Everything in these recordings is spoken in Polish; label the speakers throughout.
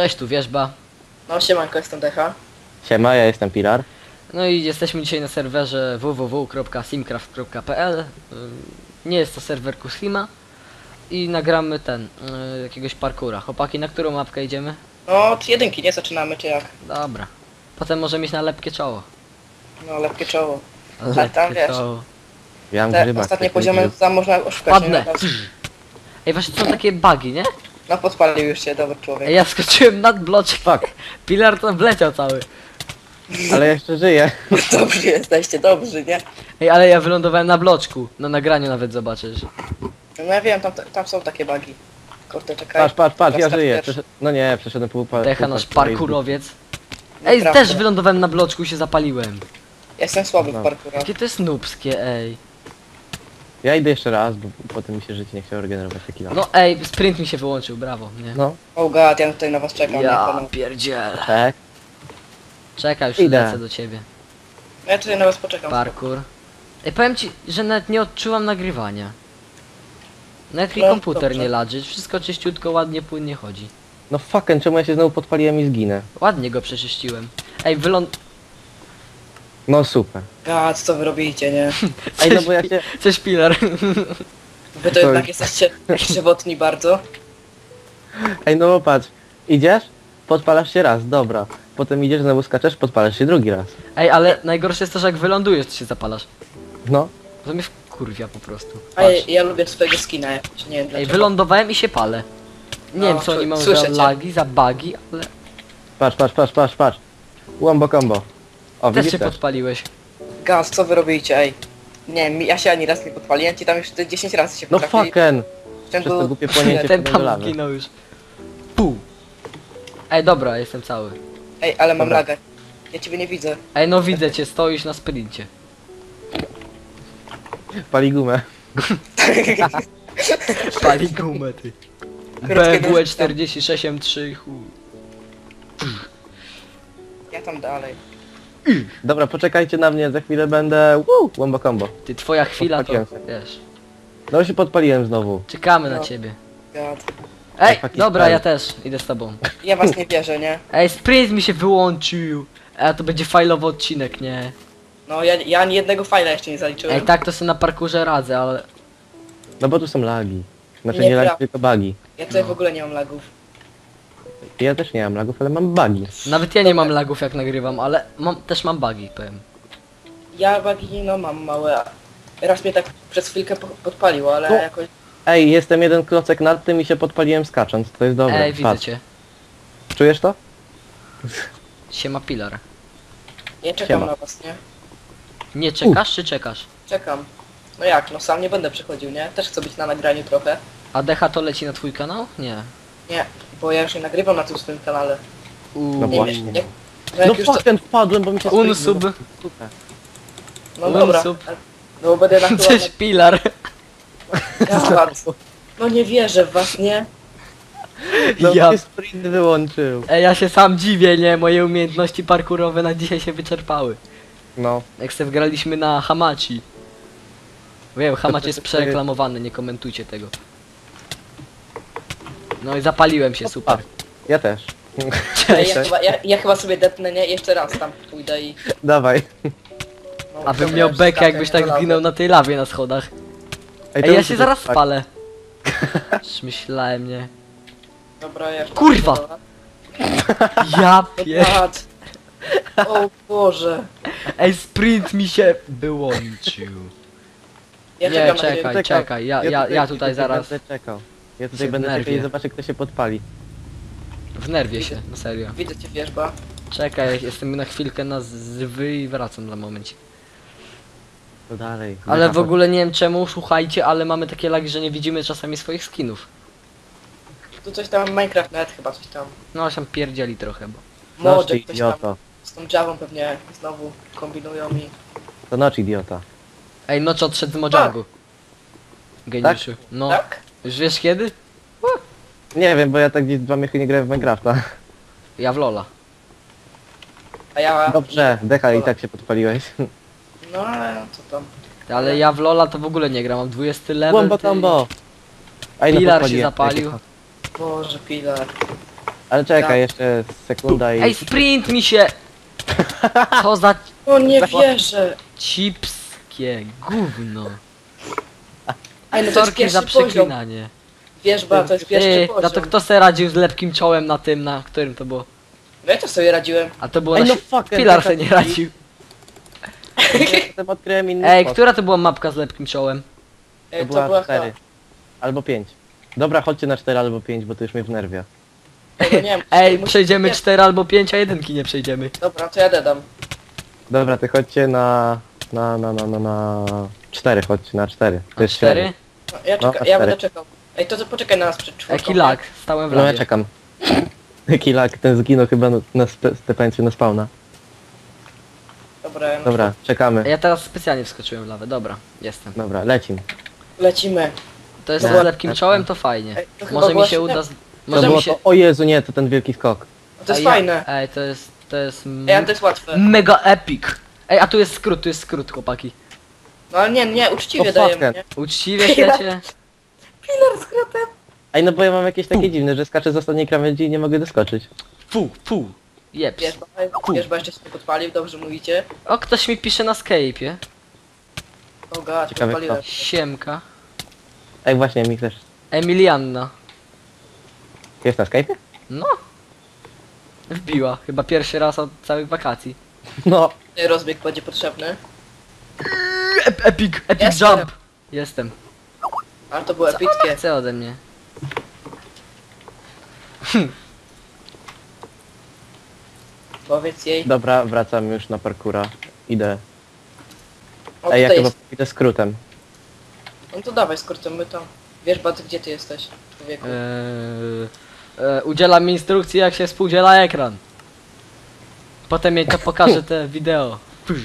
Speaker 1: Cześć, tu Wierzba.
Speaker 2: No siemanko, jestem Decha.
Speaker 3: Siema, ja jestem Pilar.
Speaker 1: No i jesteśmy dzisiaj na serwerze www.simcraft.pl. Nie jest to serwer Kuslima. I nagramy jakiegoś parkura. Chłopaki, na którą mapkę idziemy?
Speaker 2: No od jedynki, nie? Zaczynamy, czy jak?
Speaker 1: Dobra. Potem możemy iść na lepkie czoło.
Speaker 2: No lepkie czoło.
Speaker 1: Lepkie
Speaker 2: wiesz.
Speaker 1: czoło.
Speaker 3: Ja mam
Speaker 2: Te
Speaker 3: grzybak.
Speaker 2: ostatnie
Speaker 3: taki
Speaker 2: poziomy
Speaker 3: grzyb.
Speaker 2: tam można oszukać,
Speaker 1: Padnę.
Speaker 2: nie?
Speaker 1: Ej, właśnie są takie bugi, nie?
Speaker 2: No podpalił już się, dobry człowiek.
Speaker 1: Ej, ja skoczyłem nad bloczek.
Speaker 3: Fuck,
Speaker 1: Pilar tam wleciał cały.
Speaker 3: ale jeszcze żyję.
Speaker 2: Dobrzy jesteście, dobrzy, nie?
Speaker 1: Ej, ale ja wylądowałem na bloczku. Na nagraniu nawet zobaczysz.
Speaker 2: No ja wiem, tam są takie bugi. Kurde, czekaj.
Speaker 3: Patrz, ja
Speaker 2: Teraz
Speaker 3: żyję.
Speaker 2: pierwszy.
Speaker 3: No nie, przeszedłem pół
Speaker 1: Decha nasz parkurowiec. Ej,
Speaker 2: Nieprawda.
Speaker 1: też wylądowałem na bloczku i się zapaliłem.
Speaker 2: Ja jestem słaby w
Speaker 3: No.
Speaker 2: parkurze.
Speaker 1: Jakie to jest nubskie, ej.
Speaker 3: Ja idę jeszcze raz, bo potem mi się życie nie chciało regenerować taki lat.
Speaker 1: No ej, sprint mi się wyłączył, brawo, nie?
Speaker 3: No,
Speaker 2: Oh god, ja tutaj na was czekam.
Speaker 1: Ja
Speaker 2: nie?
Speaker 1: pierdzielę.
Speaker 3: tak.
Speaker 1: Czekaj, już
Speaker 3: Idę.
Speaker 1: lecę do ciebie.
Speaker 2: Ja tutaj na was poczekam.
Speaker 1: Parkour. Ej, powiem ci, że nawet nie odczułam nagrywania. Nawet mi
Speaker 2: No,
Speaker 1: komputer
Speaker 2: dobrze.
Speaker 1: nie ladży, wszystko czyściutko, ładnie, płynnie chodzi.
Speaker 3: No fucking, czemu ja się znowu podpaliłem i zginę?
Speaker 1: Ładnie go przeczyściłem. Ej,
Speaker 3: No super.
Speaker 2: God, co wy robicie, nie?
Speaker 3: Ej, no bo ja się...
Speaker 1: Cześć, Pilar.
Speaker 2: Wy to jednak jesteście żywotni bardzo.
Speaker 3: Ej, no patrz. Idziesz? Podpalasz się raz, dobra. Potem idziesz, znowu skaczesz, podpalasz się drugi raz.
Speaker 1: Ej, ale najgorsze jest to, że jak wylądujesz, to się zapalasz.
Speaker 3: No.
Speaker 1: To mnie wkurwia po prostu.
Speaker 2: A ja lubię swojego skina jakoś, nie wiem
Speaker 1: Ej,
Speaker 2: dlaczego.
Speaker 1: wylądowałem i się palę. Nie
Speaker 2: No,
Speaker 1: wiem co oni mają
Speaker 2: słyszę
Speaker 1: za
Speaker 2: cię.
Speaker 1: lagi, za bugi, ale
Speaker 3: Patrz. Wombo combo. O,
Speaker 1: też
Speaker 3: widzisz
Speaker 1: się
Speaker 3: też.
Speaker 1: podpaliłeś.
Speaker 2: Gaz, co wy robicie, ej? Nie wiem, ja się ani raz nie podpaliłem, ci tam już te 10 razy się
Speaker 3: No
Speaker 2: potrafili.
Speaker 3: fucking.
Speaker 2: W ciągu-
Speaker 3: Przez to głupie płonięcie
Speaker 1: Ten
Speaker 3: wpadłem do
Speaker 1: tam
Speaker 3: lawy.
Speaker 1: zginął już. Pół. Ej, dobra, jestem cały.
Speaker 2: Ej, ale mam
Speaker 3: Dobra.
Speaker 2: lagę. Ja ciebie nie widzę.
Speaker 1: Ej, no widzę cię, stoisz na sprincie.
Speaker 3: Pali gumę.
Speaker 1: Pali gumę, ty.
Speaker 2: Krótkie
Speaker 1: BMW
Speaker 2: nóżki
Speaker 1: 46 M3, chuj.
Speaker 2: Ja tam dalej.
Speaker 3: Dobra, poczekajcie na mnie, za chwilę będę... Wombo combo.
Speaker 1: Ty, twoja chwila to,
Speaker 3: Podpaliłem się.
Speaker 1: wiesz,
Speaker 3: No się podpaliłem znowu.
Speaker 1: czekamy na
Speaker 2: No.
Speaker 1: ciebie.
Speaker 2: God.
Speaker 1: Ej,
Speaker 3: taki
Speaker 1: dobra,
Speaker 3: stary.
Speaker 1: ja też idę z tobą.
Speaker 2: Ja was nie wierzę, nie?
Speaker 1: Ej, sprint mi się wyłączył. A to będzie fajlowy odcinek, nie?
Speaker 2: No ja ani jednego fajla jeszcze nie zaliczyłem.
Speaker 1: Ej, tak to sobie na parkurze radzę, ale...
Speaker 3: No bo tu są lagi. Znaczy
Speaker 2: Nie
Speaker 3: nie lagi,
Speaker 2: pra-
Speaker 3: tylko bugi.
Speaker 2: Ja tutaj
Speaker 1: No.
Speaker 2: w ogóle nie mam lagów.
Speaker 3: Ja też nie mam lagów, ale mam bugi.
Speaker 1: Nawet ja nie mam lagów jak nagrywam, ale też mam bugi, powiem.
Speaker 2: Ja bugi, no mam małe. Raz mnie tak przez chwilkę podpaliło, ale
Speaker 3: No.
Speaker 2: jakoś...
Speaker 3: Ej, jestem jeden klocek nad tym i się podpaliłem skacząc. To jest dobre.
Speaker 1: Ej, widzę
Speaker 3: Patrz.
Speaker 1: cię.
Speaker 3: Czujesz to?
Speaker 1: Siema Pilar.
Speaker 2: Ja czekam
Speaker 3: Siema.
Speaker 2: na was, nie?
Speaker 1: Nie czekasz czy czekasz?
Speaker 2: Czekam. No jak, no sam nie będę przychodził, nie? Też chcę być na nagraniu trochę.
Speaker 1: A Decha to leci na twój kanał? Nie.
Speaker 2: Nie, bo ja już nie nagrywam na tym swoim kanale.
Speaker 3: No
Speaker 2: Nie
Speaker 3: właśnie.
Speaker 2: wiem, jak
Speaker 3: No
Speaker 2: już to...
Speaker 3: fucking wpadłem, bo mi się
Speaker 1: Unsub.
Speaker 3: Super.
Speaker 2: No dobra.
Speaker 1: unsub.
Speaker 2: No bo będę na
Speaker 1: Cześć Pilar.
Speaker 2: No nie wierzę w was, nie?
Speaker 3: No
Speaker 1: Ja-
Speaker 3: mnie sprint wyłączył.
Speaker 1: Ej, ja się sam dziwię, nie? Moje umiejętności parkurowe na dzisiaj się wyczerpały.
Speaker 3: No.
Speaker 1: Jak se wgraliśmy na Hamachi. Wiem, Hamachi jest
Speaker 3: to-
Speaker 1: przereklamowany, nie komentujcie tego. No i zapaliłem się, super.
Speaker 3: Ja też.
Speaker 2: Ej,
Speaker 1: Cześć.
Speaker 2: ja chyba sobie depnę, nie? Jeszcze raz tam pójdę i...
Speaker 3: Dawaj.
Speaker 2: No,
Speaker 1: A bym
Speaker 2: dobra,
Speaker 1: miał
Speaker 2: już
Speaker 1: bekę,
Speaker 2: skaczę,
Speaker 1: jakbyś
Speaker 2: nie?
Speaker 1: tak
Speaker 2: Dobra.
Speaker 1: zginął na tej lawie na schodach.
Speaker 3: to
Speaker 1: Ej, ja
Speaker 3: muszę
Speaker 1: się zaraz
Speaker 3: tak-
Speaker 1: spalę. Już myślałem, nie.
Speaker 2: Dobra, ja...
Speaker 1: Kurwa!
Speaker 2: Dobra.
Speaker 1: Ja pier...
Speaker 2: Patrz. O Boże.
Speaker 1: Ej, sprint mi się wyłączył.
Speaker 2: Ja
Speaker 1: Nie,
Speaker 2: czekam na
Speaker 1: czekaj.
Speaker 2: ciebie.
Speaker 1: Czekaj, ja tutaj zaraz
Speaker 3: będę czekał. Ja
Speaker 1: się
Speaker 3: tutaj będę
Speaker 1: wnerwię.
Speaker 3: czekał i zobaczę, kto się podpali.
Speaker 1: wnerwię się, na serio.
Speaker 2: Widzę cię, wierzba.
Speaker 1: Czekaj, jestem na chwilkę na zwy i wracam na momencie.
Speaker 3: To dalej.
Speaker 1: Ale w ogóle nie wiem czemu, słuchajcie, ale mamy takie lagi, że nie widzimy czasami swoich skinów.
Speaker 2: Tu coś tam, Minecraft nawet chyba coś tam.
Speaker 1: No, się pierdzieli trochę, bo...
Speaker 3: Noc,
Speaker 2: Mody, ktoś tam
Speaker 3: idioto.
Speaker 2: z tą Javą pewnie znowu kombinują i...
Speaker 3: To noc, idiota.
Speaker 1: Ej, Nocz odszedł z Mojangu. Geniuszu. No,
Speaker 2: Tak?
Speaker 1: już wiesz kiedy?
Speaker 3: Nie wiem, bo ja tak gdzieś 2 miechy nie grałem w Minecrafta.
Speaker 1: Ja w Lola.
Speaker 2: A ja...
Speaker 3: Dobrze, Decha i tak się podpaliłeś.
Speaker 2: No ale co tam?
Speaker 1: Ale ja w Lola to w ogóle nie gram, mam 20 level.
Speaker 3: Wombo
Speaker 1: ty.
Speaker 3: combo! Ej,
Speaker 1: Pilar się
Speaker 3: podpaliłem.
Speaker 1: zapalił.
Speaker 2: Boże, Pilar.
Speaker 3: Ale czekaj,
Speaker 2: Tak.
Speaker 3: jeszcze sekunda i...
Speaker 1: Ej, sprint mi się! Co za
Speaker 2: O nie wierzę.
Speaker 1: chipskie gówno.
Speaker 2: Ej, no to jest
Speaker 1: Sorki
Speaker 2: pierwszy
Speaker 1: za
Speaker 2: poziom.
Speaker 1: przeklinanie.
Speaker 2: Wierzba, to jest pierwszy
Speaker 1: Ej,
Speaker 2: poziom.
Speaker 1: za to kto se radził z lepkim czołem na tym, na którym to było?
Speaker 2: No ja to sobie radziłem.
Speaker 1: A to było
Speaker 3: Ej,
Speaker 1: na
Speaker 3: no
Speaker 1: si-
Speaker 3: fucker,
Speaker 1: Pilar
Speaker 3: taka-
Speaker 1: se nie radził.
Speaker 3: Ja potem odkryłem inny
Speaker 1: Ej,
Speaker 3: spot.
Speaker 1: która to była mapka z lepkim czołem?
Speaker 3: To była 4. Albo 5. Dobra, chodźcie na 4 albo 5, bo to już mnie wnerwia.
Speaker 2: Ej, no nie wiem,
Speaker 1: Ej,
Speaker 2: musi-
Speaker 1: przejdziemy
Speaker 2: nie.
Speaker 1: 4 albo 5, a jedynki nie przejdziemy.
Speaker 2: Dobra, to ja dedam.
Speaker 3: Dobra, ty chodźcie na 4, chodźcie na 4. To
Speaker 1: A
Speaker 3: jest
Speaker 1: 4?
Speaker 3: średnie.
Speaker 2: No, ja,
Speaker 3: No,
Speaker 2: ja będę
Speaker 3: cztery.
Speaker 2: czekał. Ej, to poczekaj na nas przed czwórką.
Speaker 1: Jaki lag, stałem w
Speaker 3: No ja
Speaker 1: lawie.
Speaker 3: czekam. Jaki lag, ten zginął chyba na stepeńcu na spawna.
Speaker 2: Dobra, no
Speaker 3: Dobra, czekamy.
Speaker 1: Ja teraz specjalnie wskoczyłem w lawę, dobra, jestem.
Speaker 3: Dobra, lecim.
Speaker 2: lecimy.
Speaker 1: To jest
Speaker 3: No.
Speaker 1: z lepkim czołem, to fajnie.
Speaker 2: Ej, to chyba
Speaker 1: Może mi
Speaker 2: właśnie
Speaker 1: się uda...
Speaker 2: tak.
Speaker 1: z-
Speaker 3: To
Speaker 1: Może
Speaker 3: było
Speaker 1: mi się...
Speaker 3: to, o Jezu, nie, to ten wielki skok.
Speaker 2: No to jest
Speaker 1: A ja-
Speaker 2: fajne.
Speaker 1: Ej, to jest...
Speaker 2: Ej, a to jest łatwe.
Speaker 1: Mega epic. Ej, a tu jest skrót, chłopaki.
Speaker 2: No ale nie, uczciwie
Speaker 3: O,
Speaker 2: dajemy,
Speaker 3: fucker.
Speaker 2: nie?
Speaker 1: Uczciwie chcecie?
Speaker 2: Pilar skrótem.
Speaker 3: Ej, no bo ja mam jakieś takie dziwne, że skaczę z ostatniej krawędzi i nie mogę doskoczyć.
Speaker 1: Fu. Jeps.
Speaker 2: Wierzba jeszcze się nie podpalił, dobrze mówicie.
Speaker 1: O, ktoś mi pisze na Skype'ie.
Speaker 2: O gad,
Speaker 3: Ciekawe
Speaker 2: podpaliłem.
Speaker 1: Siemka.
Speaker 3: Ej, właśnie, mi też.
Speaker 1: Emilianna.
Speaker 3: Jest na Skype'ie?
Speaker 1: No. Wbiła. Chyba pierwszy raz od całych wakacji.
Speaker 3: No.
Speaker 2: Rozbieg będzie potrzebny.
Speaker 1: Epic
Speaker 2: Jestem.
Speaker 1: jump. Jestem.
Speaker 2: Ale to było epickie.
Speaker 1: Chce ode mnie.
Speaker 2: Powiedz jej.
Speaker 3: Dobra, wracam już na parkura. Idę.
Speaker 2: O,
Speaker 3: Ej, ja
Speaker 2: tutaj
Speaker 3: chyba
Speaker 2: jest.
Speaker 3: idę skrótem.
Speaker 2: No to dawaj, skrócimy to. Wierzba, ty gdzie ty jesteś, człowieku?
Speaker 1: Udzielam instrukcji, jak się współdziela ekran. Potem jej to pokażę te wideo.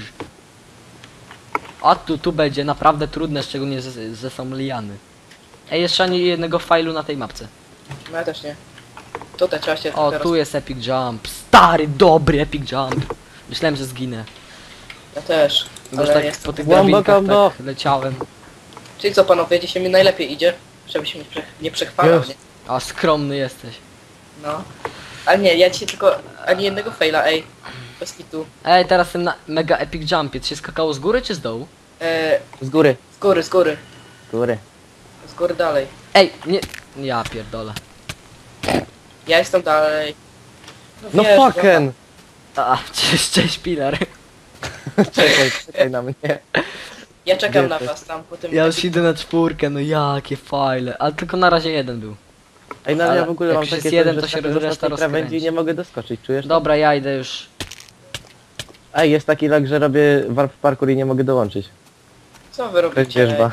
Speaker 1: A tu będzie naprawdę trudne, szczególnie, że są liany. Ej, jeszcze ani jednego failu na tej mapce.
Speaker 2: No ja też nie. Tutaj trzeba się
Speaker 1: O,
Speaker 2: teraz...
Speaker 1: tu jest epic jump. Stary, dobry epic jump. Myślałem, że zginę.
Speaker 2: Ja też.
Speaker 1: Bo już
Speaker 2: Ale
Speaker 1: tak
Speaker 2: jest...
Speaker 1: po tych
Speaker 3: Wombo
Speaker 1: drabinkach
Speaker 3: combo.
Speaker 1: tak leciałem.
Speaker 2: Czyli co panowie, dzisiaj mi najlepiej idzie? Żeby się nie przechwalał,
Speaker 3: Jest.
Speaker 2: nie?
Speaker 1: A skromny jesteś.
Speaker 2: No. Ale nie, ja dzisiaj tylko ani jednego faila, ej. Bez kitu.
Speaker 1: Ej, teraz ten na mega epic jumpie. To się skakało z góry czy z dołu?
Speaker 3: Z góry.
Speaker 2: Z góry, z góry.
Speaker 3: Z góry.
Speaker 2: Z góry dalej.
Speaker 1: Ej, nie... Ja pierdolę.
Speaker 2: Ja jestem dalej.
Speaker 3: No
Speaker 2: wiesz,
Speaker 3: fucking!
Speaker 1: A, cześć Pilar.
Speaker 3: Czekaj na mnie.
Speaker 2: Ja czekam
Speaker 3: Gdzie
Speaker 2: na
Speaker 3: jesteś?
Speaker 2: was tam po tym...
Speaker 1: Ja już idę na 4, no jakie fajle. Ale tylko na razie jeden był.
Speaker 3: Ej, no
Speaker 1: Ale
Speaker 3: ja w ogóle
Speaker 1: jak
Speaker 3: mam
Speaker 1: już jest
Speaker 3: takie
Speaker 1: jeden,
Speaker 3: coś,
Speaker 1: to
Speaker 3: że
Speaker 1: się
Speaker 3: skaczę z
Speaker 1: reszta
Speaker 3: ostatniej krawędzi
Speaker 1: rozkręci.
Speaker 3: i nie mogę doskoczyć, czujesz to?
Speaker 1: Dobra, ja idę już.
Speaker 3: Ej, jest taki lag, że robię warp parkour i nie mogę dołączyć.
Speaker 2: Co wy
Speaker 3: To jest
Speaker 2: robicie?
Speaker 3: wierzba.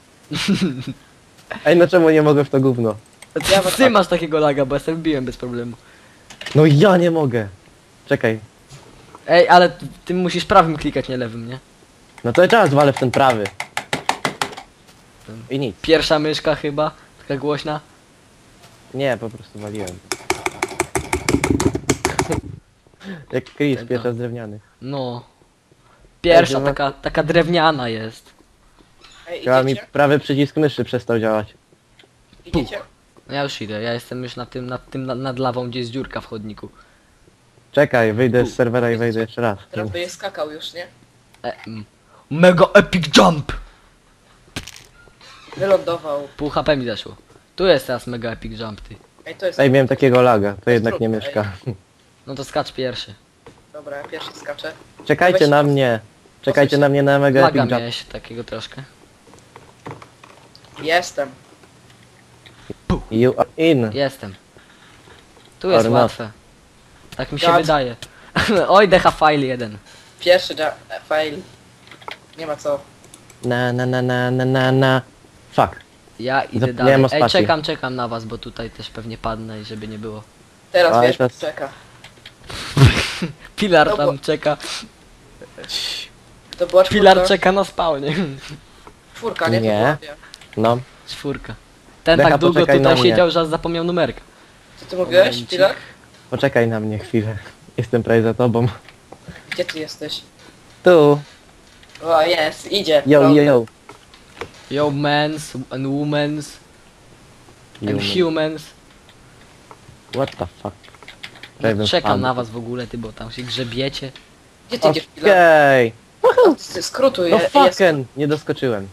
Speaker 3: Ej, no czemu nie mogę w to gówno?
Speaker 2: Ja was-
Speaker 1: Ty masz takiego laga, bo ja sobie wbiłem bez problemu.
Speaker 3: No ja nie mogę. Czekaj.
Speaker 1: Ej, ale ty musisz prawym klikać, nie lewym, nie?
Speaker 3: No to czas walę w ten prawy. I nic.
Speaker 1: Pierwsza myszka chyba, taka głośna.
Speaker 3: Nie, po prostu waliłem. Jak Chris, pierwsza z drewnianych.
Speaker 1: No. Pierwsza
Speaker 3: Ej,
Speaker 1: taka drewniana jest.
Speaker 2: Ej,
Speaker 3: Chyba mi
Speaker 2: idziecie?
Speaker 3: prawy przycisk myszy przestał działać.
Speaker 2: Idziecie?
Speaker 1: No ja już idę, ja jestem już nad lawą, gdzie jest dziurka w chodniku.
Speaker 3: Czekaj, wyjdę z serwera i wejdę jeszcze raz.
Speaker 2: Teraz by je skakał już, nie?
Speaker 1: Mega epic jump!
Speaker 2: Wylądował.
Speaker 1: Pół HP mi zeszło. Tu jest teraz mega epic jump, ty.
Speaker 2: Ej, to jest...
Speaker 3: Ej, miałem takiego laga, to jednak nie
Speaker 2: trudne,
Speaker 3: mieszka.
Speaker 1: No to skacz pierwszy.
Speaker 2: Dobra, ja pierwszy skaczę.
Speaker 3: Czekajcie
Speaker 2: Weź-
Speaker 3: na mnie. Czekajcie na mnie na mega
Speaker 1: Laga
Speaker 3: epic jump.
Speaker 1: miałeś takiego troszkę.
Speaker 2: Jestem.
Speaker 3: You are in.
Speaker 1: Jestem. Tu jest
Speaker 3: Or not.
Speaker 1: łatwe. Tak mi się
Speaker 2: God.
Speaker 1: wydaje. Oj, decha file 1.
Speaker 2: Pierwszy fail. Nie ma co.
Speaker 3: Na. Fuck.
Speaker 1: Ja idę
Speaker 3: Zapomniałem
Speaker 1: dalej.
Speaker 3: o
Speaker 1: Ej,
Speaker 3: spacji.
Speaker 1: czekam na was, bo tutaj też pewnie padnę i żeby nie było.
Speaker 2: Teraz
Speaker 3: Ale
Speaker 2: wiesz,
Speaker 3: to-
Speaker 2: czeka.
Speaker 1: Pilar
Speaker 2: No bo-
Speaker 1: tam czeka.
Speaker 2: To była czwórka.
Speaker 1: Pilar czeka na spawnie.
Speaker 2: Czwórka, nie? To
Speaker 3: Nie.
Speaker 2: była,
Speaker 3: No.
Speaker 1: Czwórka. Ten
Speaker 3: Decha,
Speaker 1: tak długo
Speaker 3: poczekaj
Speaker 1: tutaj
Speaker 3: na mnie.
Speaker 1: siedział, że aż zapomniał numerka.
Speaker 2: Co ty mówiłeś,
Speaker 1: Momencik.
Speaker 2: Pilar?
Speaker 3: Poczekaj na mnie chwilę. Jestem prawie za tobą.
Speaker 2: Gdzie ty jesteś?
Speaker 3: Tu.
Speaker 2: O, jest, idzie.
Speaker 3: Yo,
Speaker 2: Dobra.
Speaker 3: yo.
Speaker 1: Yo mens and womens and
Speaker 3: Human.
Speaker 1: humans.
Speaker 3: What the fuck? Żebym
Speaker 1: Czekam
Speaker 3: wpadł.
Speaker 1: na was w ogóle, ty, bo tam się grzebiecie.
Speaker 2: Gdzie ty idziesz, Pilar?
Speaker 3: Okej.
Speaker 2: Skrótu,
Speaker 3: No
Speaker 2: jest.
Speaker 3: fucking, nie doskoczyłem.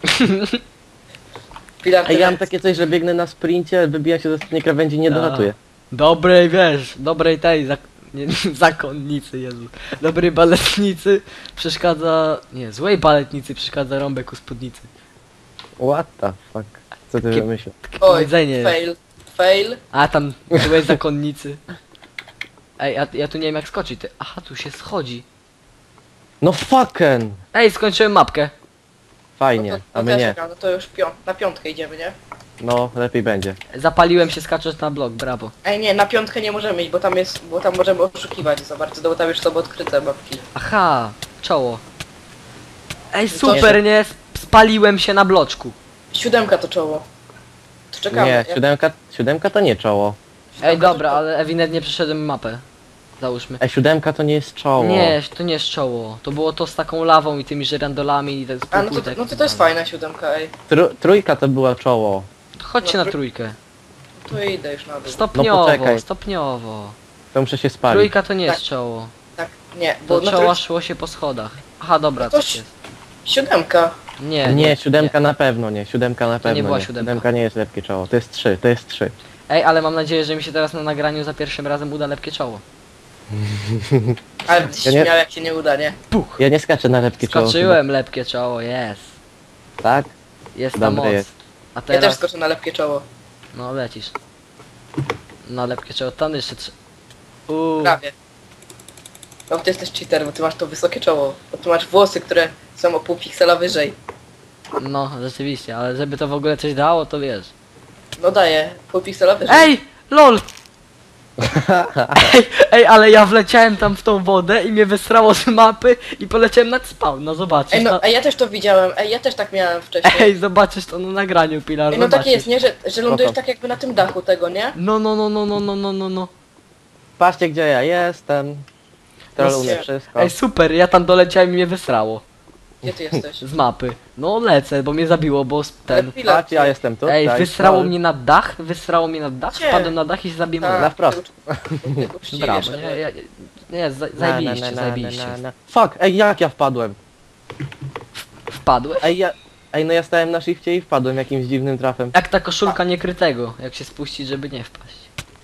Speaker 2: Pilar,
Speaker 3: Ej, ja mam takie coś, że biegnę na sprincie, wybijam się z ostatniej krawędzi i nie
Speaker 1: A.
Speaker 3: dolatuję.
Speaker 1: Dobrej, wiesz, dobrej tej, nie, zakonnicy, Jezu. Dobrej baletnicy przeszkadza, nie, złej baletnicy przeszkadza rąbek u spódnicy.
Speaker 3: What the fuck? Co ty
Speaker 1: Takie-
Speaker 3: wymyślił?
Speaker 1: Takie
Speaker 2: Oj,
Speaker 1: powiedzenie jest.
Speaker 2: fail.
Speaker 1: A tam złej zakonnicy. Ej, ja tu nie wiem jak skoczyć, ty. Aha, tu się schodzi.
Speaker 3: No fucking!
Speaker 1: Ej, skończyłem mapkę.
Speaker 3: Fajnie,
Speaker 2: No
Speaker 3: a my
Speaker 2: też
Speaker 3: nie.
Speaker 2: czekam, no to już na piątkę idziemy, nie?
Speaker 3: No, lepiej będzie.
Speaker 1: Zapaliłem się skacząc na blok, brawo.
Speaker 2: Ej, nie, na piątkę nie możemy iść, bo tam możemy oszukiwać za bardzo, bo tam już są odkryte mapki.
Speaker 1: Aha, czoło. Ej,
Speaker 2: to
Speaker 1: super, nie? Spaliłem się na bloczku.
Speaker 2: 7 to czoło. To czekamy.
Speaker 3: Nie, siódemka to nie czoło.
Speaker 1: Ej, dobra, ale ewidentnie przeszedłem mapę. Załóżmy.
Speaker 3: Siódemka to nie jest czoło.
Speaker 1: Nie, to nie jest czoło. To było to z taką lawą i tymi żyrandolami i tak
Speaker 2: A, no to jest fajna 7, ej.
Speaker 3: Trójka to była czoło.
Speaker 1: Chodźcie na trójkę.
Speaker 2: To idę już na dół.
Speaker 1: Stopniowo,
Speaker 3: poczekaj.
Speaker 1: stopniowo.
Speaker 3: To muszę się spalić.
Speaker 1: Trójka to nie jest
Speaker 2: Tak.
Speaker 1: czoło.
Speaker 2: Tak, nie, bo
Speaker 1: Do
Speaker 2: na
Speaker 1: czoła
Speaker 2: trójce
Speaker 1: szło się po schodach. Aha, dobra,
Speaker 2: No to
Speaker 1: coś jest.
Speaker 2: 7.
Speaker 3: Nie, siódemka na pewno nie, siódemka na pewno
Speaker 1: była
Speaker 3: nie.
Speaker 1: siódemka.
Speaker 3: Siódemka nie jest lepkie czoło, to jest 3, to jest 3.
Speaker 1: Ej, ale mam nadzieję, że mi się teraz na nagraniu za pierwszym razem uda lepkie czoło.
Speaker 2: Ale będziesz
Speaker 3: Ja nie-
Speaker 2: śmiał jak się nie uda, nie?
Speaker 1: Puch!
Speaker 3: Ja nie skaczę na lepkie czoło.
Speaker 1: Skoczyłem lepkie czoło, jest.
Speaker 3: chyba. Tak?
Speaker 1: Jest ta
Speaker 3: Dobre
Speaker 1: moc.
Speaker 3: jest.
Speaker 1: A
Speaker 2: Ja też
Speaker 1: teraz,
Speaker 2: skoczę na lepkie czoło.
Speaker 1: no lecisz. Na lepkie czoło, tam jeszcze
Speaker 2: Prawie. No bo ty jesteś cheater, bo ty masz to wysokie czoło. Bo ty masz włosy, które są o pół piksela wyżej.
Speaker 1: No, rzeczywiście, ale żeby to w ogóle coś dało, to wiesz.
Speaker 2: No daję, pół piksela wyżej.
Speaker 1: Ej! LOL! Ej, ale ja wleciałem tam w tą wodę i mnie wysrało z mapy i poleciałem nad spawn, no zobaczysz.
Speaker 2: Ej, no, ja też to widziałem, ja też tak miałem wcześniej.
Speaker 1: Ej, zobaczysz to na nagraniu, Pilar,
Speaker 2: Ej, no
Speaker 1: zobaczysz.
Speaker 2: takie jest, nie? Że lądujesz
Speaker 3: Spoko.
Speaker 2: tak jakby na tym dachu tego, nie?
Speaker 1: No.
Speaker 3: Patrzcie gdzie ja jestem. Troluje
Speaker 2: No,
Speaker 3: wszystko.
Speaker 1: Ej, super, ja tam doleciałem i mnie wysrało
Speaker 2: Gdzie ty jesteś?
Speaker 1: z mapy. No lecę, bo mnie zabiło, bo ten...
Speaker 2: Pilar,
Speaker 3: Patrz, ja jestem tu.
Speaker 1: Ej,
Speaker 3: tak,
Speaker 1: wysrało
Speaker 3: no.
Speaker 1: mnie na dach,
Speaker 2: Gdzie?
Speaker 1: wpadłem na dach i się zabiłem.
Speaker 2: Tak,
Speaker 3: Na wprost.
Speaker 2: ty uczciwie
Speaker 1: Brawo,
Speaker 2: szedłeś.
Speaker 1: nie, zajebiście, zajebiście.
Speaker 3: Fuck, ej jak ja wpadłem?
Speaker 1: Wpadłeś?
Speaker 3: Ej, no ja stałem na shifcie i wpadłem jakimś dziwnym trafem.
Speaker 1: Jak ta koszulka niekrytego, jak się spuścić, żeby nie wpaść.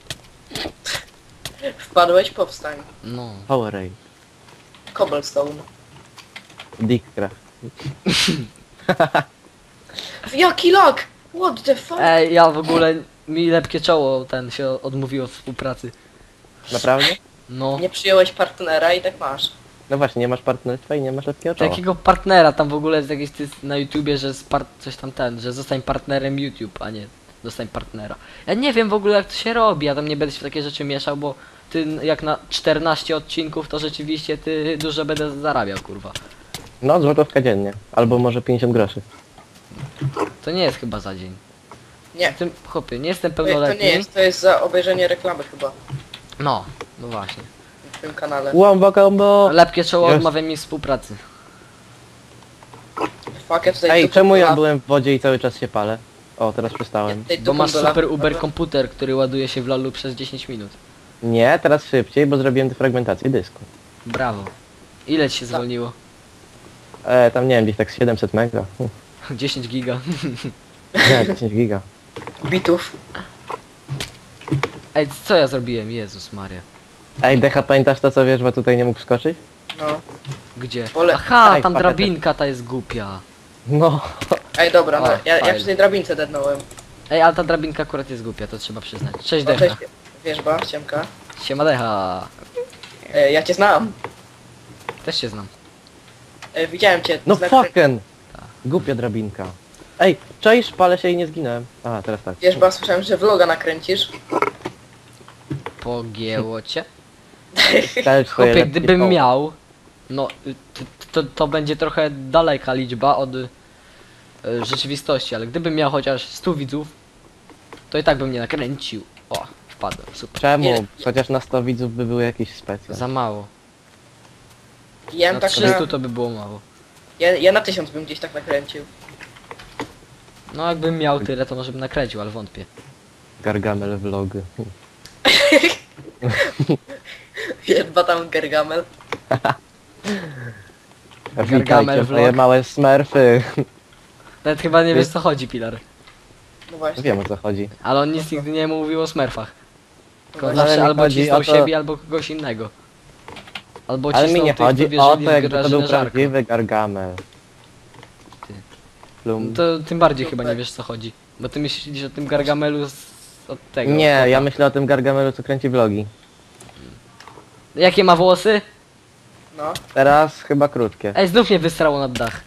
Speaker 2: Wpadłeś, powstań.
Speaker 1: No.
Speaker 3: Powerade.
Speaker 2: Cobblestone.
Speaker 3: Dickcraft.
Speaker 2: Jaki lag! What the fuck?
Speaker 1: Ej, ja w ogóle, mi lepkie czoło ten się odmówiło od współpracy.
Speaker 3: Naprawdę?
Speaker 1: No.
Speaker 2: Nie przyjąłeś partnera i tak masz.
Speaker 3: No właśnie, nie masz partnerstwa i nie masz lepkiego czoła.
Speaker 1: Jakiego partnera, tam w ogóle jest jakiś na YouTubie, że coś tam że zostań partnerem YouTube, a nie zostań partnera. Ja nie wiem w ogóle jak to się robi, ja tam nie będę się w takie rzeczy mieszał, bo ty jak na 14 odcinków to rzeczywiście ty dużo będę zarabiał, kurwa.
Speaker 3: No, złotówka dziennie. Albo może 50 groszy.
Speaker 1: To nie jest chyba za dzień.
Speaker 2: Nie.
Speaker 1: Tym chłopie, nie jestem
Speaker 2: To
Speaker 1: pełnoletni.
Speaker 2: nie jest, to jest za obejrzenie reklamy chyba.
Speaker 1: No właśnie.
Speaker 2: W tym kanale.
Speaker 3: Łombo combo!
Speaker 1: Lepkie czoło
Speaker 3: Jest.
Speaker 1: odmawia mi współpracy.
Speaker 2: Fuck, ja tutaj
Speaker 3: Ej,
Speaker 2: dupą
Speaker 3: czemu
Speaker 2: do
Speaker 3: ja
Speaker 2: lawy-
Speaker 3: byłem w wodzie i cały czas się palę? O, teraz przestałem.
Speaker 2: tutaj
Speaker 1: Bo
Speaker 2: dupą
Speaker 1: masz
Speaker 2: do lawy-
Speaker 1: super uber komputer, który ładuje się w lolu przez 10 minut.
Speaker 3: Nie, teraz szybciej, bo zrobiłem defragmentację dysku.
Speaker 1: Brawo. Ile ci się zwolniło?
Speaker 3: Tam nie wiem, gdzieś tak z 700 mega.
Speaker 1: 10 giga.
Speaker 3: Nie, 10 giga.
Speaker 2: bitów.
Speaker 1: Ej, co ja zrobiłem? Jezus Maria.
Speaker 3: Ej, Decha, pamiętasz to co wiesz, bo tutaj nie mógł skoczyć?
Speaker 2: No.
Speaker 1: Gdzie?
Speaker 2: Pole-
Speaker 1: Aha,
Speaker 3: Ej,
Speaker 1: tam
Speaker 3: patetę.
Speaker 1: drabinka ta jest głupia.
Speaker 3: No.
Speaker 2: Ej, dobra, no,
Speaker 1: O,
Speaker 2: ja
Speaker 1: fajnie.
Speaker 2: przy tej drabince dednąłem.
Speaker 1: Ej, ale ta drabinka akurat jest głupia, to trzeba przyznać. Cześć
Speaker 2: No,
Speaker 1: Decha.
Speaker 2: cześć, wierzba, ciemka.
Speaker 1: Siema Decha.
Speaker 2: Ja cię znam.
Speaker 1: Też się znam.
Speaker 2: Widziałem cię.
Speaker 3: No
Speaker 2: znak-
Speaker 3: fucking! Głupia drabinka. Ej, czaisz, palę się i nie zginąłem. A, teraz tak.
Speaker 2: Wierzba, słyszałem, że vloga nakręcisz.
Speaker 1: Pogięło cię.
Speaker 3: Dajesz swoje
Speaker 1: Chłopie,
Speaker 3: lepkie
Speaker 1: gdybym
Speaker 3: koło.
Speaker 1: miał... No, to będzie trochę daleka liczba od rzeczywistości, ale gdybym miał chociaż 100 widzów, to i tak bym nie nakręcił. O, wpadłem, super.
Speaker 3: Czemu?
Speaker 2: Ile-
Speaker 3: Chociaż na 100 widzów by były jakieś specjal.
Speaker 1: Za mało.
Speaker 2: Ja
Speaker 1: Na
Speaker 2: tak
Speaker 1: 300
Speaker 2: na,
Speaker 1: to by było mało.
Speaker 2: ja na 1000 bym gdzieś tak nakręcił.
Speaker 1: No jakbym miał tyle, to może bym nakręcił, ale wątpię.
Speaker 3: Gargamel vlog.
Speaker 2: Jedba tam Gargamel.
Speaker 3: Witajcie,
Speaker 1: vlog.
Speaker 3: moje małe smurfy.
Speaker 1: Nawet chyba nie wiesz co chodzi, Pilar.
Speaker 2: No właśnie.
Speaker 3: Wiem o co chodzi.
Speaker 1: Ale on nic nigdy nie mówił o smurfach. Tylko
Speaker 2: No,
Speaker 1: zawsze
Speaker 3: ale mi
Speaker 1: albo
Speaker 3: chodzi
Speaker 1: cisnął
Speaker 3: o to-
Speaker 1: siebie, albo kogoś innego. Albo
Speaker 3: Ale mi
Speaker 1: cisnął
Speaker 3: nie
Speaker 1: tych,
Speaker 3: chodzi
Speaker 1: co
Speaker 3: o
Speaker 1: wierzyli
Speaker 3: to,
Speaker 1: w
Speaker 3: jakby to był
Speaker 1: Grażynę Żarko.
Speaker 3: prawdziwy Gargamel.
Speaker 1: Ty.
Speaker 3: Plum.
Speaker 1: To tym bardziej chyba nie wiesz co chodzi. Bo ty myślisz o tym Gargamelu od tego.
Speaker 3: Nie,
Speaker 1: chłopa.
Speaker 3: ja myślę o tym Gargamelu, co kręci vlogi.
Speaker 1: Jakie ma włosy?
Speaker 2: No.
Speaker 3: Teraz chyba krótkie,
Speaker 1: Ej, znów mnie wysrało nad dach.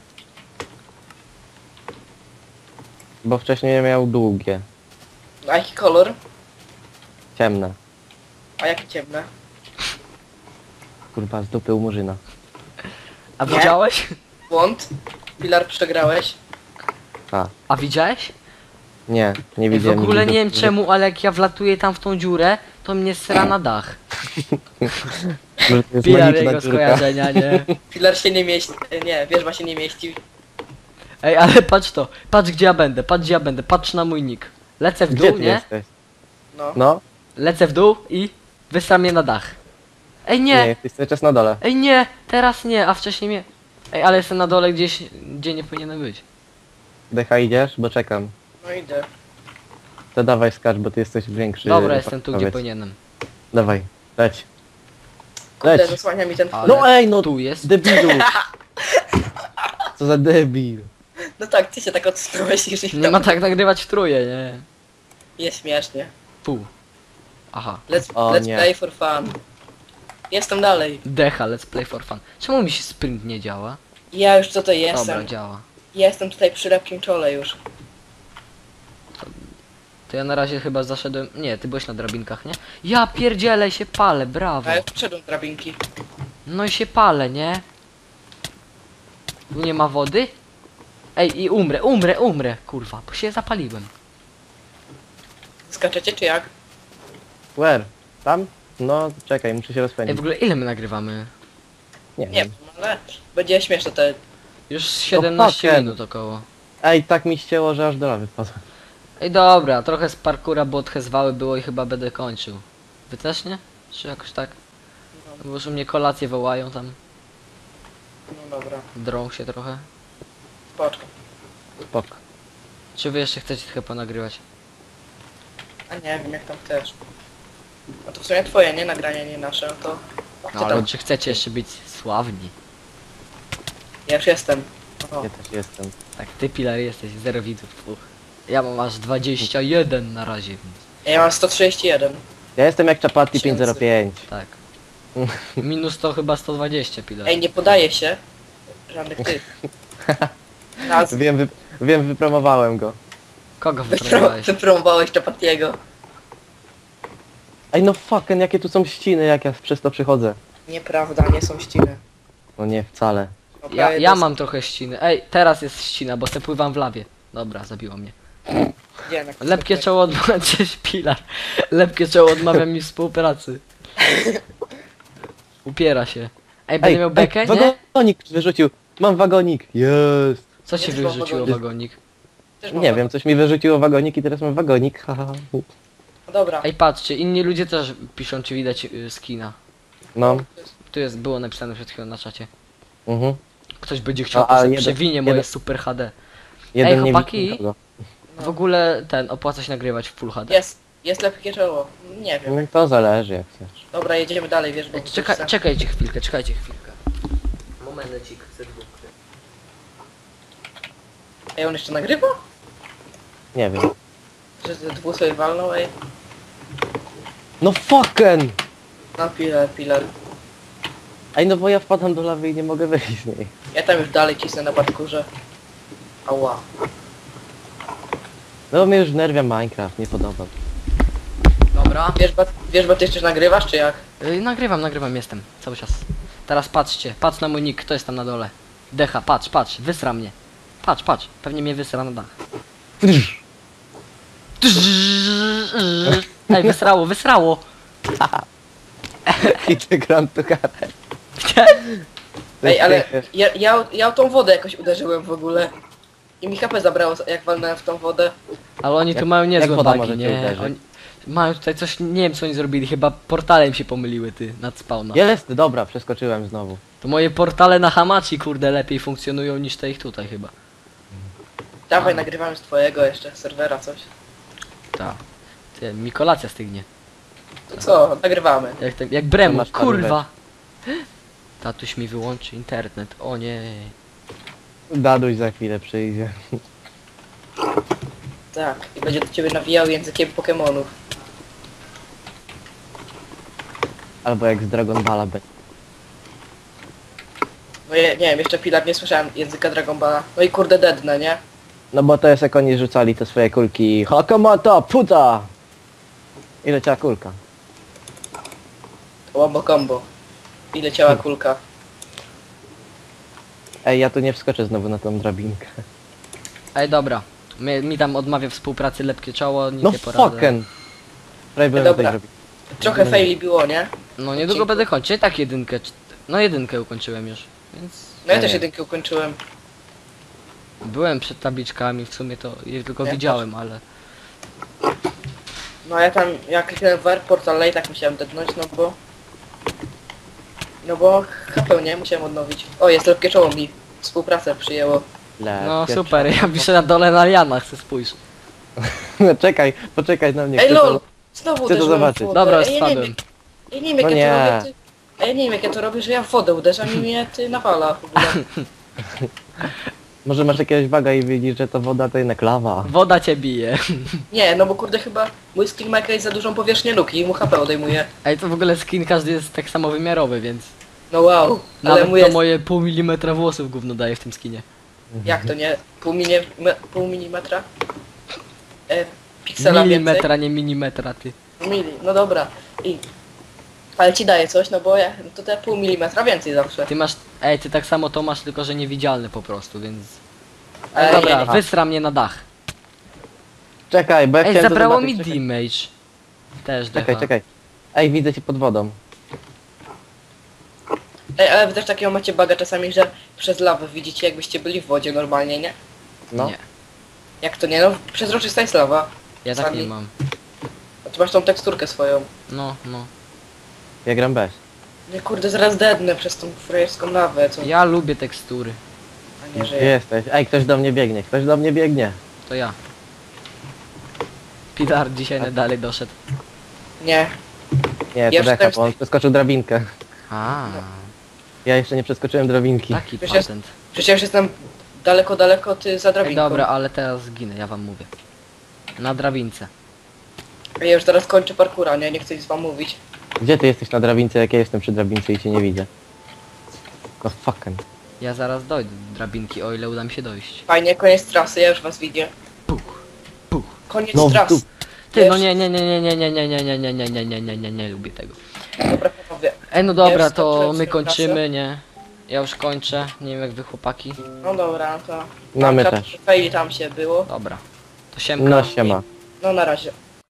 Speaker 3: bo wcześniej miał długie,
Speaker 2: A jaki kolor?
Speaker 3: ciemne.
Speaker 2: A jakie ciemne?
Speaker 3: Kurwa, z dupy u Murzyna.
Speaker 1: A
Speaker 2: Nie.
Speaker 1: widziałeś?
Speaker 2: Błąd? Pilar, przegrałeś?
Speaker 1: A widziałeś?
Speaker 3: Nie, nie
Speaker 1: Ej, w
Speaker 3: widziałem.
Speaker 1: ogóle
Speaker 3: nigdy
Speaker 1: nie wiem
Speaker 3: dupy.
Speaker 1: czemu, ale jak ja wlatuję tam w tą dziurę, to mnie sra na dach.
Speaker 3: Może to jest
Speaker 1: Pilar
Speaker 3: magiczna
Speaker 1: jego
Speaker 3: dziurka.
Speaker 1: skojarzenia, nie?
Speaker 2: Pilar się nie mieści. Nie, wierzba się nie mieści.
Speaker 1: Ej, ale patrz to. Patrz gdzie ja będę, patrz gdzie ja będę, patrz na mój nick. Lecę w
Speaker 3: Gdzie
Speaker 1: dół,
Speaker 3: ty
Speaker 1: nie?
Speaker 3: jesteś?
Speaker 2: No.
Speaker 3: No,
Speaker 1: Lecę w dół i wysram mnie na dach. Ej
Speaker 3: nie,
Speaker 1: nie!
Speaker 3: jesteś cały czas na dole.
Speaker 1: Ej nie! Teraz nie, a wcześniej mnie... Ej, ale jestem na dole gdzieś, gdzie nie powinienem być.
Speaker 3: Decha idziesz? Bo czekam.
Speaker 2: No idę.
Speaker 3: To dawaj skacz, bo ty jesteś większy.
Speaker 1: Dobra, jestem tu gdzie
Speaker 3: powiedz.
Speaker 1: powinienem.
Speaker 3: Dawaj, leć.
Speaker 2: Kurde,
Speaker 3: Leć.
Speaker 2: zasłania mi ten
Speaker 1: Ale-
Speaker 2: wpływ.
Speaker 3: No ej, no
Speaker 1: Tu jest.
Speaker 3: debilu. Co za debil.
Speaker 2: No tak, ty się tak odsunąłeś i żyj
Speaker 1: Nie ma tak nagrywać w trójkę, nie.
Speaker 2: Jest śmiesznie.
Speaker 1: Pół. Aha.
Speaker 2: Let's
Speaker 3: nie.
Speaker 2: play for fun. Jestem dalej.
Speaker 1: Decha, let's play for fun. Czemu mi się sprint nie działa?
Speaker 2: Ja już tutaj
Speaker 1: Dobra,
Speaker 2: jestem.
Speaker 1: działa.
Speaker 2: Jestem tutaj przy lepkim czole już.
Speaker 1: To ja na razie chyba zaszedłem... Nie, ty byłeś na drabinkach, nie? Ja pierdzielę się palę, brawo.
Speaker 2: A ja wszedłem drabinki.
Speaker 1: No i się palę, nie? Tu nie ma wody? Ej, i umrę, kurwa, bo się zapaliłem.
Speaker 2: Skaczecie czy jak?
Speaker 3: Where? Tam? No, czekaj, muszę się
Speaker 1: Ej,
Speaker 3: rozpędzić.
Speaker 1: w ogóle ile my nagrywamy?
Speaker 3: Nie
Speaker 2: Nie
Speaker 3: wiem.
Speaker 2: wiem, ale będzie śmieszne te...
Speaker 1: Już 17
Speaker 3: fucking.
Speaker 1: minut około.
Speaker 3: Ej, tak mi ścięło, że aż do lawy wpadłem.
Speaker 1: Ej, dobra, trochę z parkura, bo odhezwały było i chyba będę kończył. Wy też nie? Czy jakoś tak? Bo już u mnie kolacje wołają tam.
Speaker 2: No dobra,
Speaker 1: Drą się trochę.
Speaker 2: spoczko.
Speaker 3: Spok.
Speaker 1: Czy wy jeszcze chcecie trochę ponagrywać?
Speaker 2: A nie wiem jak tam chcesz. No to w sumie twoje, nie nagranie, nie nasze, no to...
Speaker 1: No
Speaker 2: Co
Speaker 1: ale
Speaker 2: tam?
Speaker 1: czy chcecie jeszcze być sławni?
Speaker 2: Ja już jestem. O,
Speaker 3: Ja też jestem.
Speaker 1: Tak, ty Pilar jesteś, 0 widzów. Uf. Ja mam aż 21 na razie, więc
Speaker 2: ja mam 131.
Speaker 3: Ja jestem jak Chapati
Speaker 2: Tysięcy.
Speaker 3: 505.
Speaker 1: tak. Minus to chyba 120 Pilar.
Speaker 2: Ej, nie podaje się żadnych tych. Nazw.
Speaker 3: Wiem, wypromowałem go.
Speaker 1: Kogo wyprowadzałeś?
Speaker 2: Wypromowałeś Chapatiego.
Speaker 3: Ej, no fucking, jakie tu są ściny, jak ja przez to przychodzę.
Speaker 2: Nieprawda, nie są ściny.
Speaker 3: No nie, wcale.
Speaker 2: No,
Speaker 1: Ja,
Speaker 2: prawie
Speaker 1: ja
Speaker 2: dos-
Speaker 1: mam trochę ściny. Ej, teraz jest ścina, bo se pływam w lawie. Dobra, zabiło mnie.
Speaker 2: Gdzie, na
Speaker 1: Lepkie czoło odmawia... Cześć Pilar. Lepkie czoło odmawia mi współpracy. Upiera się. Ej, będę miał bekę, nie?
Speaker 3: wagonik wyrzucił. Mam wagonik. Jest.
Speaker 1: Co ci
Speaker 2: Nie, chyba
Speaker 1: wyrzuciło
Speaker 2: wagonik.
Speaker 1: wagonik?
Speaker 2: Też mam
Speaker 3: Nie
Speaker 2: wagon.
Speaker 3: wiem, coś mi wyrzuciło wagonik i teraz mam wagonik. Haha.
Speaker 2: No dobra.
Speaker 1: Ej, patrzcie, inni ludzie też piszą, czy widać skina.
Speaker 3: No.
Speaker 1: Tu jest, było napisane przed chwilą na czacie.
Speaker 3: Mhm.
Speaker 1: Ktoś będzie chciał,
Speaker 3: No, a
Speaker 1: to sobie
Speaker 3: jeden-
Speaker 1: przewinie moje
Speaker 3: jeden-
Speaker 1: super HD.
Speaker 3: Jeden nie
Speaker 1: chłopaki?
Speaker 3: widzi nikogo.
Speaker 1: W ogóle opłaca się nagrywać w Full HD.
Speaker 2: Jest lepkie czoło. Nie wiem.
Speaker 3: No, to zależy jak chcesz.
Speaker 2: Dobra, jedziemy dalej, wiesz, bo...
Speaker 1: Ej, czekajcie chwilkę. Momencik, chcę dwóch.
Speaker 2: Ej, on jeszcze nagrywa?
Speaker 3: Nie wiem.
Speaker 2: Że te dwóch sobie walnął, ej.
Speaker 3: No fucking!
Speaker 2: No pilar.
Speaker 3: Ej, no bo ja wpadam do lawy i nie mogę wyjść z niej.
Speaker 2: Ja tam już dalej cisnę na parkurze. Ała.
Speaker 3: No mnie już wnerwia Minecraft, nie podoba.
Speaker 1: Dobra.
Speaker 2: Wiesz, bo ty jeszcze nagrywasz, czy jak?
Speaker 1: Nagrywam, jestem. Cały czas. Teraz patrzcie, patrz na mój nick, kto jest tam na dole. Decha, patrz, wysra mnie. Patrz, pewnie mnie wysra na dach. Ej, wysrało.
Speaker 3: I ty Grand Tucate.
Speaker 2: Ej, ale ja tą wodę jakoś uderzyłem w ogóle. I mi HP zabrało, jak walnąłem w tą wodę.
Speaker 1: Ale oni tu
Speaker 3: Jak-
Speaker 1: mają
Speaker 3: jak
Speaker 1: niezłe
Speaker 3: woda
Speaker 1: bagi,
Speaker 3: może cię
Speaker 1: nie?
Speaker 3: uderzyć?
Speaker 1: Mają tutaj coś, nie wiem co oni zrobili, chyba portale im się pomyliły, ty, nad spawna.
Speaker 3: Jest, dobra, przeskoczyłem znowu.
Speaker 1: To moje portale na Hamachi, kurde, lepiej funkcjonują niż te ich tutaj chyba.
Speaker 2: Dawaj, nagrywamy z twojego jeszcze serwera coś.
Speaker 1: Tak. Ty, mi kolacja stygnie.
Speaker 2: To co, nagrywamy.
Speaker 1: Jak Bremu,
Speaker 3: masz
Speaker 1: kurwa! Tatuś mi wyłączy internet, o nie.
Speaker 3: Daduś za chwilę przyjdzie.
Speaker 2: Tak, i będzie do ciebie nawijał językiem Pokemonów.
Speaker 3: Albo jak z Dragon Balla będzie.
Speaker 2: No nie wiem, jeszcze Pilar nie słyszałem języka Dragon Balla. No i kurde deadne, nie?
Speaker 3: No bo to jest jak oni rzucali te swoje kulki. Hakamata, puta! I leciała kulka.
Speaker 2: Wombo combo. I leciała kulka.
Speaker 3: Ej, ja tu nie wskoczę znowu na tą drabinkę.
Speaker 1: Ej, dobra. Mi tam odmawia współpracy lepkie czoło, nic
Speaker 3: No
Speaker 1: nie poradzę.
Speaker 3: fucken! Prawie byłem
Speaker 2: Dobra.
Speaker 3: na tej drabince.
Speaker 2: Trochę faili było, nie?
Speaker 1: No niedługo będę kończył, tak jedynkę, no jedynkę ukończyłem już, więc...
Speaker 2: No ja
Speaker 3: Nie.
Speaker 2: też jedynkę ukończyłem.
Speaker 1: Byłem przed tabliczkami, w sumie to je tylko
Speaker 2: Ja
Speaker 1: widziałem, ale...
Speaker 2: No ja tam, jak kliknąłem w airport, ale i tak musiałem deadnąć, no bo... No bo HP, nie? Musiałem odnowić. O, jest lepkie czoło mi. Współpracę przyjęło.
Speaker 1: No
Speaker 3: Lepkie
Speaker 1: super, ja piszę na dole na lianach, chcę spójrz.
Speaker 3: czoło. Czekaj, poczekaj na mnie.
Speaker 2: Ej
Speaker 3: chcę
Speaker 2: lol!
Speaker 3: to-
Speaker 2: Znowu
Speaker 3: chcę to
Speaker 2: uderzyłem w
Speaker 3: zobaczyć.
Speaker 2: wodę.
Speaker 1: Dobra,
Speaker 2: Ej, ja nie
Speaker 1: spadłem.
Speaker 2: wiem, ja nie wiem jak
Speaker 3: No
Speaker 2: ja to
Speaker 3: nie.
Speaker 2: robię, ty... A ja nie wiem jak ja to robię, że ja w wodę uderzam i mnie ty nawala w ogóle.
Speaker 3: Może masz jakiegoś waga i widzisz, że to woda to jednak lawa.
Speaker 1: Woda cię bije.
Speaker 2: Nie, no bo kurde chyba mój skin ma jakąś za dużą powierzchnię luki i mu HP odejmuje.
Speaker 1: Ej, to w ogóle skin każdy jest tak samo wymiarowy, więc...
Speaker 2: No wow, ale
Speaker 1: Nawet
Speaker 2: mój
Speaker 1: to
Speaker 2: jest...
Speaker 1: moje pół milimetra włosów gówno daje w tym skinie.
Speaker 2: Jak to nie? Pół milimetra? Piksela więcej?
Speaker 1: Milimetra, nie minimetra, ty.
Speaker 2: Mili, no dobra. I... Ale ci daje coś, no bo ja, to te pół milimetra więcej zawsze.
Speaker 1: Ty masz... Ej, ty tak samo to masz, tylko że niewidzialny po prostu, więc...
Speaker 2: Ej,
Speaker 1: Dobra,
Speaker 2: ja nie-
Speaker 1: wysra mnie na dach.
Speaker 3: Czekaj, bo ja
Speaker 1: Ej,
Speaker 3: chciałem to
Speaker 1: zabrało
Speaker 3: zobaczyć.
Speaker 1: mi
Speaker 3: Czekaj,
Speaker 1: damage. Też
Speaker 3: czekaj,
Speaker 1: defa.
Speaker 3: czekaj. Ej, widzę cię pod wodą.
Speaker 2: Ej, ale wy też takiego macie baga czasami, że przez lawę widzicie jakbyście byli w wodzie normalnie, nie?
Speaker 3: No.
Speaker 1: Nie,
Speaker 2: Jak to nie? No przezroczysta jest lawa.
Speaker 1: ja tak
Speaker 2: Sami.
Speaker 1: nie mam.
Speaker 2: A ty masz tą teksturkę swoją.
Speaker 1: No, no.
Speaker 3: Ja gram bez.
Speaker 2: Nie kurde, zaraz dednę przez tą frajerską lawę, co?
Speaker 1: Ja lubię tekstury.
Speaker 2: A nie, że
Speaker 3: Gdzie
Speaker 2: ja.
Speaker 3: jesteś? Ej, ktoś do mnie biegnie, ktoś do mnie biegnie.
Speaker 1: To ja. Pilar dzisiaj dalej doszedł.
Speaker 2: Nie.
Speaker 3: Nie,
Speaker 2: Ja
Speaker 3: to
Speaker 2: już
Speaker 3: Decha,
Speaker 2: też-
Speaker 3: bo on przeskoczył drabinkę.
Speaker 1: A,
Speaker 3: Ja jeszcze nie przeskoczyłem drabinki.
Speaker 1: taki
Speaker 2: Przecież jest-
Speaker 1: patent.
Speaker 2: Przecież ja już jestem daleko, daleko, ty za
Speaker 1: Ej,
Speaker 2: drabinką.
Speaker 1: dobra, ale teraz zginę, ja wam mówię. Na drabince.
Speaker 2: Ja już zaraz kończę parkura, nie? Nie chcę nic wam mówić.
Speaker 3: Gdzie ty jesteś na drabince, jak ja jestem przy drabince i cię nie widzę? No fucking.
Speaker 1: Ja zaraz dojdę do drabinki, o ile uda mi się dojść.
Speaker 2: Fajnie, koniec trasy, ja już was widzę.
Speaker 1: Puch, puch.
Speaker 2: Koniec
Speaker 3: No,
Speaker 2: trasy.
Speaker 1: Ty, no
Speaker 2: Wiesz-
Speaker 1: nie, nie, nie, nie, nie, nie, nie, nie, nie, nie, nie, nie, nie, nie, nie lubię tego.
Speaker 2: Dobra, panowie.
Speaker 1: Ej, no dobra,
Speaker 2: Jest,
Speaker 1: to
Speaker 2: dobrze,
Speaker 1: my
Speaker 2: trasę.
Speaker 1: kończymy, nie? Ja już kończę, nie wiem jak wy chłopaki.
Speaker 2: No dobra, to...
Speaker 3: No my
Speaker 2: Tam
Speaker 3: też.
Speaker 2: faili tam się było.
Speaker 1: Dobra. To siemka.
Speaker 3: No siema.
Speaker 2: No na razie.